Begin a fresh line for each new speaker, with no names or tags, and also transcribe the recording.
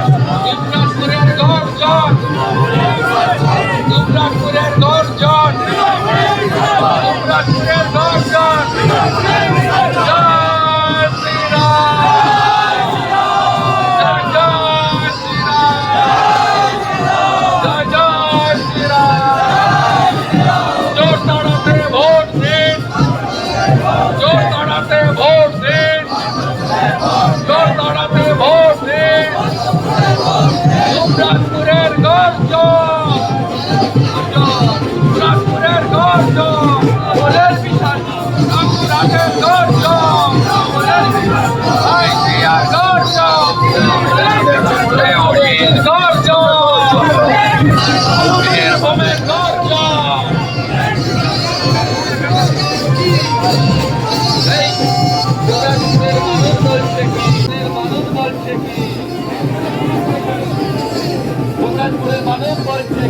যুবরাজপুরের গর্জন, যুবরাজপুরের গর্জন, যুবরাজপুরের গর্জন। জয় শ্রীরাম, জয় শ্রীরাম, জয় শ্রীরাম। জোর তাড়াতে ভোট দিন, জোর তাড়াতে ভোট দিন, জোর তাড়াতে ভোট দিন। যুবরাজপুরের গর্জন, যুবরাজপুরের গর্জন, বলের বিশাল রামপুরহাটের গর্জন, বলের বিশাল আইসিআর গর্জন, দেওয়ানির গর্জন, বীরভূমের গর্জন। এই যুবরাজপুরের মানুষ বলছে কি, মানুষ বলছে কি, যুবরাজপুরের মানুষ বলছে